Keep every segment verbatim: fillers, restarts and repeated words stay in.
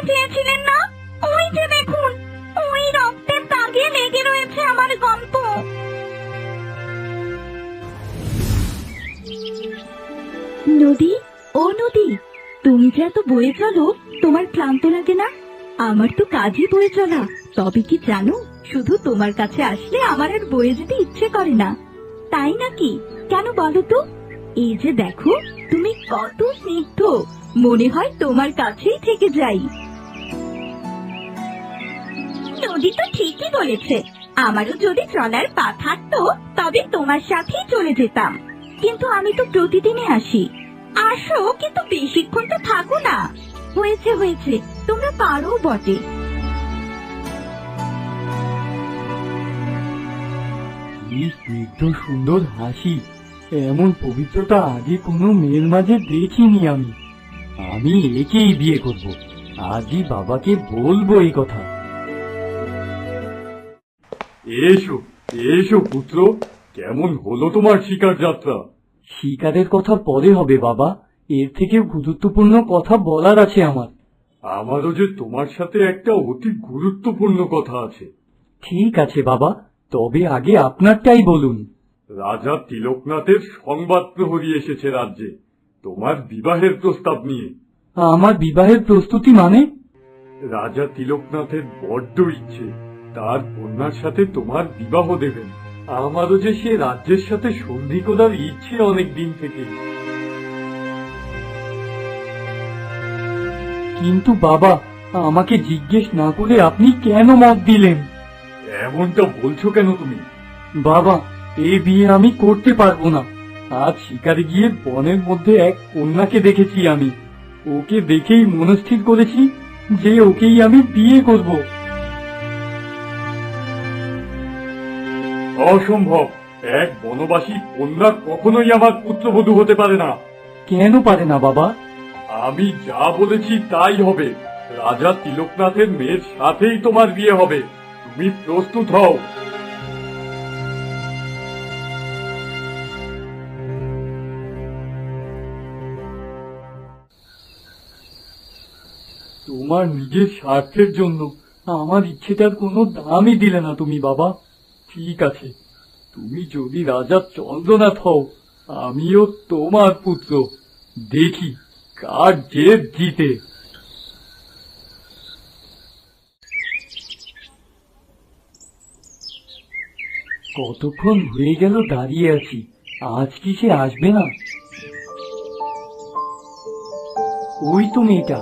চেয়েছিলেন না? ওই যে দেখুন, ওই রক্তের দাগে লেগে রয়েছে আমার গল্প। নদী, ও নদী, তুমি যে এত বয়ে চলো, তোমার ক্লান্ত লাগে না? আমার তো কাজই বয়ে চলা। তবে কি জানো, শুধু তোমার কাছে আসলে আমার আর বয়ে যেতে ইচ্ছে করে না। তাই নাকি? কেন বলো তো? এই যে দেখো, তুমি কত স্নিগ্ধ, মনে হয় তোমার কাছেই থেকে যাই। নদী তো ঠিকই বলেছে, আমারও যদি চলার পা থাকতো তবে তোমার সাথেই চলে যেতাম। কিন্তু আমি তো প্রতিদিনই আসি। আসো, কিন্তু বেশিক্ষণ তো থাকো না। হয়েছে হয়েছে, তোমরা পারো বটে। কি স্নিগ্ধ সুন্দর হাসি, এমন পবিত্রতা আগে কোনো মেয়ের মাঝে দেখিনি আমি। আমি একেই বিয়ে করব, আজই বাবাকে বলবো এই কথা। এসো এসো পুত্র, কেমন হলো তোমার শিকার যাত্রা? শিকারের কথা পরে হবে বাবা, এর থেকেও গুরুত্বপূর্ণ কথা বলার আছে আমার। আমারও যে তোমার সাথে একটা অতি গুরুত্বপূর্ণ কথা আছে। ঠিক আছে বাবা, তবে আগে আপনারটাই বলুন। রাজা তিলকনাথের সংবাদ প্রহরী এসেছে রাজ্যে, তোমার বিবাহের প্রস্তাব নিয়ে। আমার বিবাহের প্রস্তুতি মানে? রাজা তিলকনাথের বড্ড ইচ্ছে তার কন্যার সাথে তোমার বিবাহ দেবেন। আমারও যে সে রাজ্যের সাথে সন্ধি করার ইচ্ছে অনেক দিন থেকে। কিন্তু বাবা, আমাকে জিজ্ঞেস না করে আপনি কেন মত দিলেন? এমনটা বলছো কেন তুমি? বাবা, এই বিয়ে আমি করতে পারবো না। আজ শিকারে গিয়ে বনের মধ্যে এক কন্যাকে দেখেছি আমি, ওকে দেখেই মনস্থির করেছি যে ওকেই আমি বিয়ে করব। অসম্ভব, এক বনবাসী কন্যা কখনোই আমার পুত্রবধূ হতে পারে না। কেন পারে না বাবা? আমি যা বলেছি তাই হবে। রাজা তিলকনাথের মেয়ের সাথেই তোমার বিয়ে হবে, তুমি প্রস্তুত হও। তোমার নিজের স্বার্থের জন্য আমার ইচ্ছেটার কোনো দামই দিলে না তুমি বাবা। ঠিক আছে, তুমি যদি রাজা চন্দ্রনাথ হও, আমিও তোমার পুত্র। দেখি কার জেদ জিতে। কতক্ষণ হয়ে গেল দাঁড়িয়ে আছি, আজ কি সে আসবে না? ওই তো মেয়েটা।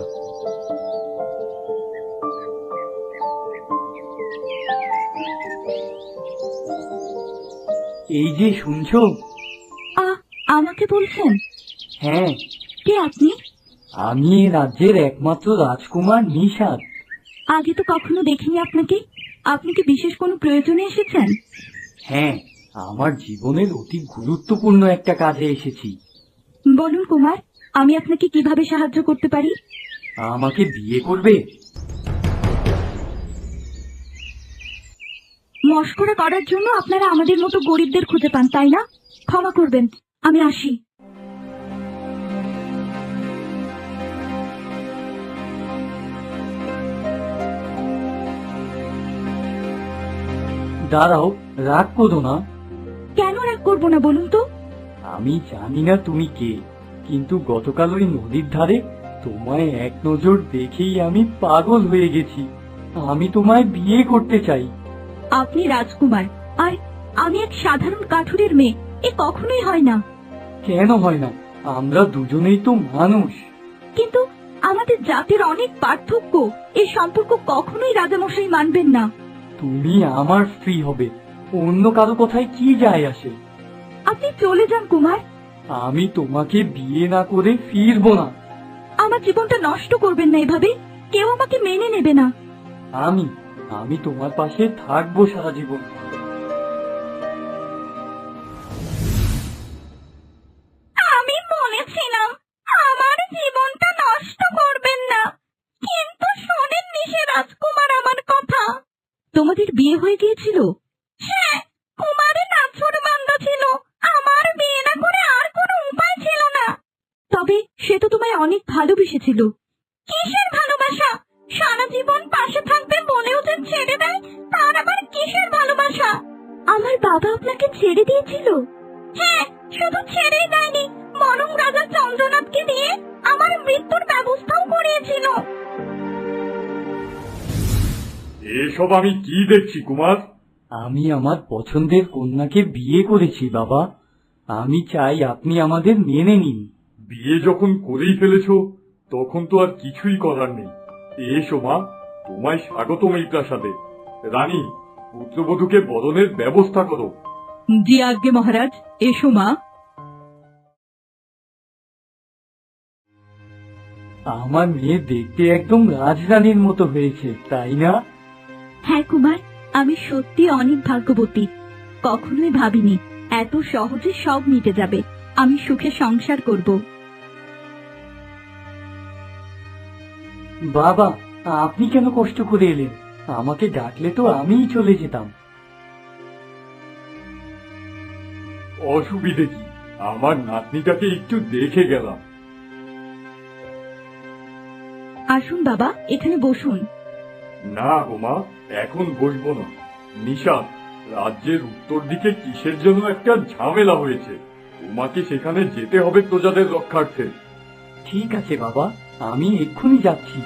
এই যে শুনছো? আমাকে বলছেন? হ্যাঁ। কে আপনি? আমি এই রাজ্যের একমাত্র রাজকুমার নিশাদ। আগে তো কখনো দেখিনি আপনাকে। আপনি কি বিশেষ কোনো প্রয়োজনে এসেছেন? হ্যাঁ, আমার জীবনের অতি গুরুত্বপূর্ণ একটা কাজে এসেছি। বলুন কুমার, আমি আপনাকে কিভাবে সাহায্য করতে পারি? আমাকে বিয়ে করবে? মশকরা করার জন্য আপনারা আমাদের মতো গরিবদের খুঁজে পান, তাই না? ক্ষমা করবেন, আমি আসি। দাঁড়াও, রাগ করো না। কেন রাগ করবো না বলুন তো? আমি জানি না তুমি কে, কিন্তু গতকাল ওই নদীর ধারে তোমায় এক নজর দেখেই আমি পাগল হয়ে গেছি। আমি তোমায় বিয়ে করতে চাই। আপনি রাজকুমার আর আমি এক সাধারণ কাঠুরের মেয়ে, এ কখনোই হয় না। কেন হয় না? আমরা দুজনেই তো মানুষ। কিন্তু আমাদের জাতির অনেক পার্থক্য, এই সম্পর্ক কখনোই রাজামশাই মানবেন না। তুমি আমার স্ত্রী হবে, অন্য কারো কথায় কি যায় আসে? আপনি চলে যান কুমার। আমি তোমাকে বিয়ে না করে ফিরবো না। আমার জীবনটা নষ্ট করবেন না এভাবে, কেউ আমাকে মেনে নেবে না। আমি আমি তোমার পাশে থাকবো সারা জীবন। আমি বলেছিলাম আমার জীবনটা নষ্ট করবেন না, কিন্তু শোনেননি সে রাজকুমার আমার কথা। তোমাদের বিয়ে হয়ে গিয়েছিল? হ্যাঁ, কুমারের নাছর বান্দা ছিল, আমার বিয়ে না করে আর কোনো উপায় ছিল না। তবে সে তো তোমায় অনেক ভালোবেসেছিল। কিসের ভালোবাসা? জীবন পাশে থাকবে বলেও যে ছেড়ে দেয়, তার আবার কিসের ভালোবাসা? আমার বাবা আপনাকে ছেড়ে দিয়েছিল? হ্যাঁ, শুধু ছেড়েই দেয়নি, বরং রাজা চন্দ্রনাথকে দিয়ে আমার মৃত্যুর ব্যবস্থাও করিয়েছিল। এসব আমি কি দেখছি কুমার? আমি আমার পছন্দের কন্যাকে বিয়ে করেছি বাবা। আমি চাই আপনি আমাদের মেনে নিন। বিয়ে যখন করেই ফেলেছ তখন তো আর কিছুই করার নেই। এসো মা, তোমায় স্বাগতম এই প্রাসাদে। রানী, পুত্রবধূকে বরণের ব্যবস্থা করো। জি আজ্ঞে মহারাজ, এসো মা। আমার মেয়ে দেখতে একদম রাজরানীর মতো হয়েছে, তাই না? হ্যাঁ কুমার, আমি সত্যি অনেক ভাগ্যবতী। কখনোই ভাবিনি এত সহজে সব মিটে যাবে, আমি সুখে সংসার করব। বাবা, আপনি কেন কষ্ট করে এলেন? আমাকে ডাকলে তো আমিই চলে যেতাম। অসুবিধে কি, আমার নাতনিটাকে একটু দেখে গেলাম। আসুন বাবা, এখানে বসুন। না গো মা, এখন বসবো না। নিশা, রাজ্যের উত্তর দিকে কিসের জন্য একটা ঝামেলা হয়েছে, তোমাকে সেখানে যেতে হবে প্রজাদের রক্ষার্থে। ঠিক আছে বাবা, আমি এক্ষুনি যাচ্ছি।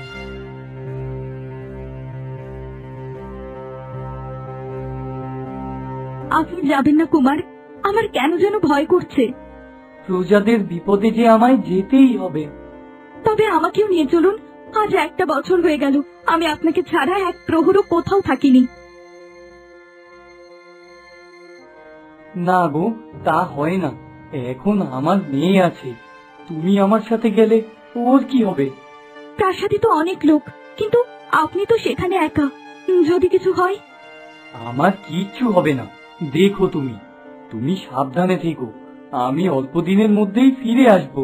আপনি যাবেন না কুমার, আমার কেন যেন ভয় করছে। প্রজাদের বিপদে যে আমায় যেতেই হবে। তবে আমাকেও নিয়ে চলুন। আজ একটা বছর হয়ে গেল আমি আপনাকে ছাড়া এক প্রহরও কোথাও থাকিনি। না গো, তা হয় না। এখন আমার মেয়ে আছে, তুমি আমার সাথে গেলে ওর কি হবে? প্রাসাদে তো অনেক লোক, কিন্তু আপনি তো সেখানে একা, যদি কিছু হয়। আমার কিচ্ছু হবে না, দেখো তুমি তুমি সাবধানে থেকো। আমি অল্প দিনের মধ্যেই ফিরে আসবো।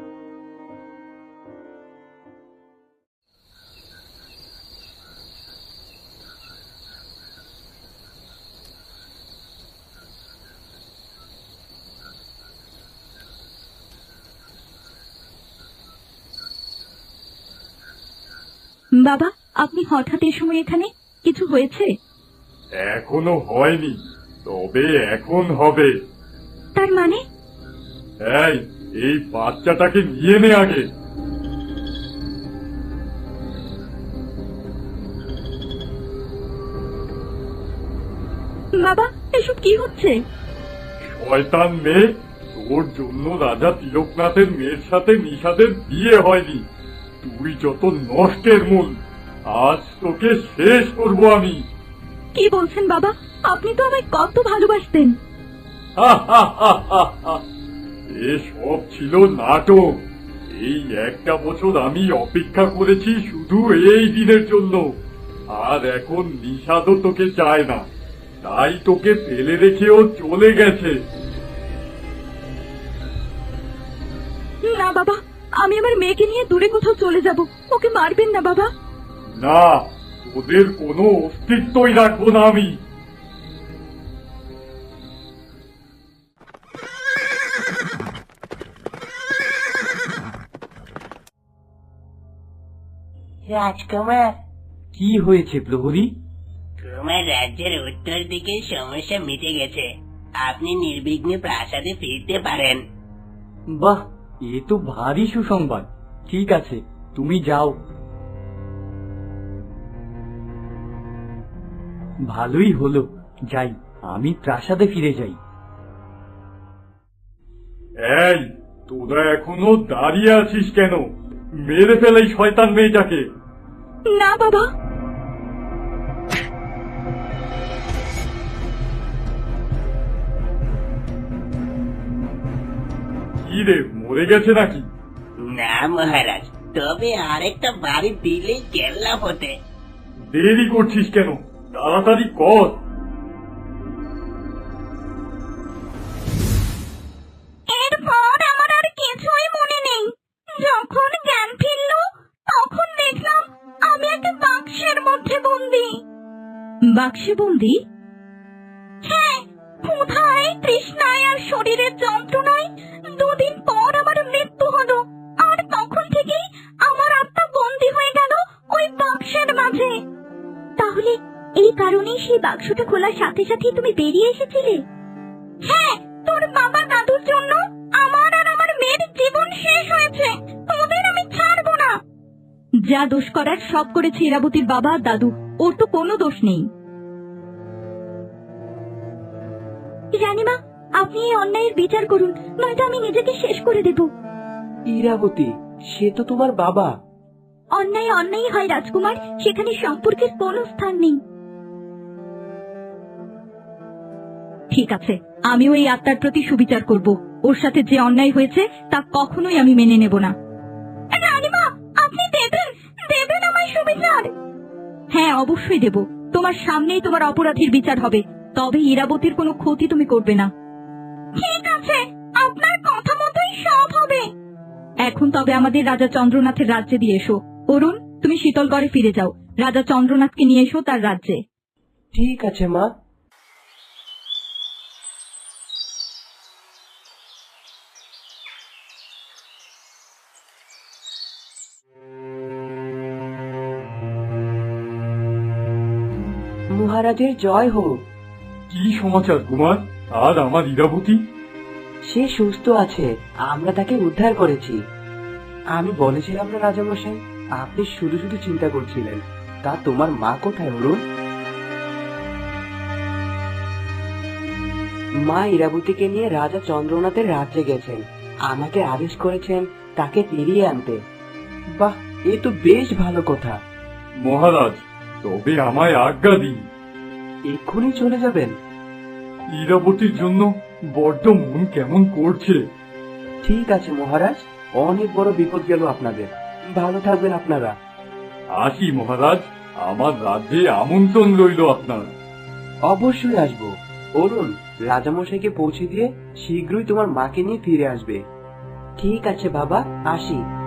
বাবা, আপনি হঠাৎ এ সময় এখানে, কিছু হয়েছে? এখনো হয়নি, তবে এখন হবে। তার মানে? এই, এই বাচ্চাটাকে নিয়ে নে আগে। বাবা, এসব কি হচ্ছে? শয়তান মেয়ে, তোর জন্য রাজা তিলকনাথের মেয়ের সাথে নিষাদের বিয়ে হয়নি। তুই যত নষ্টের মূল, আজ তোকে শেষ করব আমি। কি বলছেন বাবা? আপনি তো আমায় কত ভালোবাসতেন। এসব ছিল নাটক। এই একটা বছর আমি অপেক্ষা করেছি শুধু এই দিনের জন্য, আর এখন নিষাদও তোকে চায় না, তাই তোকে ফেলে রেখেও চলে গেছে। না বাবা, আমি আমার মেয়েকে নিয়ে দূরে কোথাও চলে যাব। ওকে মারবেন না বাবা। না, ওদের কোনো অস্তিত্বই রাখবো না আমি। রাজকুমার, কি হয়েছে প্রহরী? তোমার রাজ্যের উত্তর দিকের সমস্যা মিটে গেছে, আপনি নির্বিঘ্নে প্রাসাদে ফিরতে পারেন। বাহ, এ তো ভারী সুসংবাদ। ঠিক আছে, তুমি যাও। ভালোই হলো, যাই, আমি প্রাসাদে ফিরে যাই। এই, তোরা এখনো দাঁড়িয়ে আছিস কেন? মেরে ফেলে এই শয়তান মেয়েটাকে। না বাবা। কি রে, মরে গেছে নাকি? না মহারাজ, তবে আরেকটা বাড়ি দিলেই কেল্লা হতে। দেরি করছিস কেন? তাড়াতাড়ি কর। এরপর আমার আর কিছুই মনে নেই। যখন জ্ঞান ফিরল, তখন দেখলাম আমি একটা বাক্সের মধ্যে বন্দি। বাক্সে বন্দি? হ্যাঁ, ক্ষুধায়, তৃষ্ণায় আর শরীরের যন্ত্রণায় দুদিন পর আমার মৃত্যু হলো, আর তখন থেকেই আমার আত্মা বন্দি হয়ে গেল ওই বাক্সের মাঝে। আছে। তাহলে এই কারণেই সেই বাক্সটা খোলার সাথে সাথে তুমি বেরিয়ে এসেছিলে? হ্যাঁ, তোর বাবা দাদুর জন্য আমার আর আমার মেয়ের জীবন শেষ হয়েছে। তোদের আমি ছাড়বো না। যা দোষ করার সব করেছে ইরাবতীর বাবা আর দাদু, ওর তো কোনো দোষ নেই। রানীমা, আপনি এই অন্যায়ের বিচার করুন, নয়তো আমি নিজেকে শেষ করে দেব। ইরাবতী, সে তো তোমার বাবা। অন্যায় অন্যায় হয় রাজকুমার, সেখানে সম্পর্কের কোনো স্থান নেই। ঠিক আছে, আমিও এই আত্মার প্রতি সুবিচার করব। ওর সাথে যে অন্যায় হয়েছে তা কখনোই আমি মেনে নেব না। রানীমা, আপনি দেবেন দেবেন আমায় সুবিচার? হ্যাঁ, অবশ্যই দেব। তোমার সামনেই তোমার অপরাধীর বিচার হবে, তবে ইরাবতীর কোনো ক্ষতি তুমি করবে না। ঠিক আছে, আপনার কথা মতোই সব হবে। এখন তবে আমাদের রাজা চন্দ্রনাথের রাজ্যে দিয়ে এসো। অরুণ, তুমি শীতলগড়ে ফিরে যাও, রাজা চন্দ্রনাথকে নিয়ে এসো তার রাজ্যে। ঠিক আছে মা। মহারাজের জয় হোক। কি সমাচার কুমার? আর আমার ইরাবতী? সে সুস্থ আছে, আমরা তাকে উদ্ধার করেছি। আমি বলেছিলাম না রাজামশাই, আপনি শুধু শুধু চিন্তা করছিলেন। তা তোমার মা কোথায় অরুণ? মা ইরাবতীকে নিয়ে রাজা চন্দ্রনাথের রাজ্যে গেছেন। আমাকে আদেশ করেছেন তাকে ফিরিয়ে আনতে। বাহ, এ তো বেশ ভালো কথা। মহারাজ, তবে আমায় আজ্ঞা দিন। এক্ষুনি চলে যাবেন? ইরাবতীর জন্য বড্ড মন কেমন করছে। ঠিক আছে মহারাজ, অনেক বড় বিপদ গেল আপনাদের। ভালো থাকবেন আপনারা। আসি মহারাজ, আমার রাজ্যে আমন্ত্রণ রইল আপনার। অবশ্যই আসবো। অরুণ, রাজামশাইকে পৌঁছে দিয়ে শীঘ্রই তোমার মাকে নিয়ে ফিরে আসবে। ঠিক আছে বাবা, আসি।